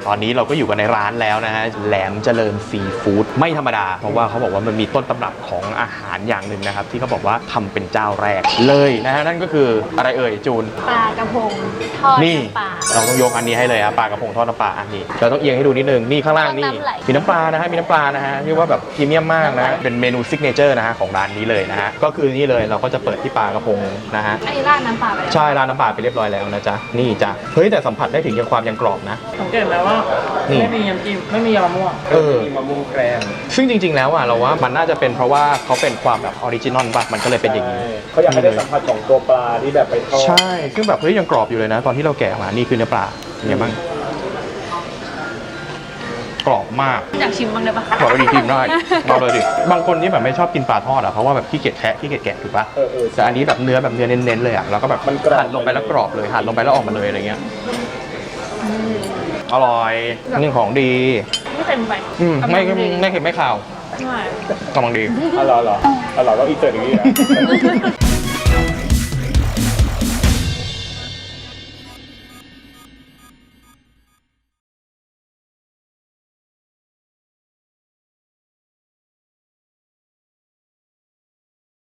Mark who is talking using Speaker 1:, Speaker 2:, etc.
Speaker 1: ตอนนี้เราก็อยู่กันในร้านแล้วนะฮะแหลมเจริญซีฟู้ดไม่ธรรมดาเพราะว่าเขาบอกว่ามันมีต้นตำรับของอาหารอย่างหนึ่งนะครับที่เขาบอกว่าทำเป็นเจ้าแรกเลยนะฮะนั่นก็คืออะไรเอ่ยจูน
Speaker 2: ปลากระพงทอดน้ำปลา
Speaker 1: เราต้องยกอันนี้ให้เลยครับปลากระพงทอดน้ำปลาอันนี้เราต้องเอียงให้ดูนิดนึงนี่ข้างล่างนี่มีน้ำปลานะฮะมีน้ำปลานะฮะเรียกว่าแบบพรีเมียมมากนะเป็นเมนูซิกเนเจอร์นะฮะของร้านนี้เลยนะฮะก็คือนี่เลยเราก็จะเปิดที่ปลากระพงนะฮะ
Speaker 2: อันนี้ราดน้ำปลาไปแล้ว
Speaker 1: ใช่ราดน้ำปลาไปเรียบร้อยแล้วนะจ๊ะนี่จ้ะเฮ้ยแต่สัมผัสได้ถึงความยังกรอบนะ
Speaker 3: สังเกตไหมว่าไม่มีน้ำจิ้มไม่มีมะม่วงมีมะม่วงแกรม
Speaker 1: ซึ่งจริงๆแล้วอ่ะเราว่ามันน่าจะเป็นเพราะว่าเขาเป็นความแบบออริจินอลป่ะมันก็เลยเป็นอย่างนี้
Speaker 3: เขาอยากให้ได้สัมผัสของตัวปลาที่แบบไปทอด
Speaker 1: ใช่ซึ่งแบบเฮ้ยยังกรอบอยู่เลยนะตอนที่เราแกะมานี่คือเนื้อปลาเป็นไงบ้างกรอบมาก
Speaker 2: อยากชิมบ้างได้ปะ
Speaker 1: กรอบดีชิมได้เอาเลยดิบางคนที่แบบไม่ชอบกินปลาทอดอ่ะเพราะว่าแบบขี้เกียจแคะขี้เกียจแกะถูกป่ะแต่อันนี้แบบเนื้อเน้นๆเลยอ่ะแล้วก็แบบหั่นลงไปแล้วกรอบเลยหั่นลงไปแล้วออกมาเลยอะไรเงี้ยอร่อยนี่ของดี
Speaker 2: ไม่เต็มไป
Speaker 1: ไม่เค็มไม่ขาวกำลังดี
Speaker 3: อร่อยต้องอีเตอร์อย่างนี้นะ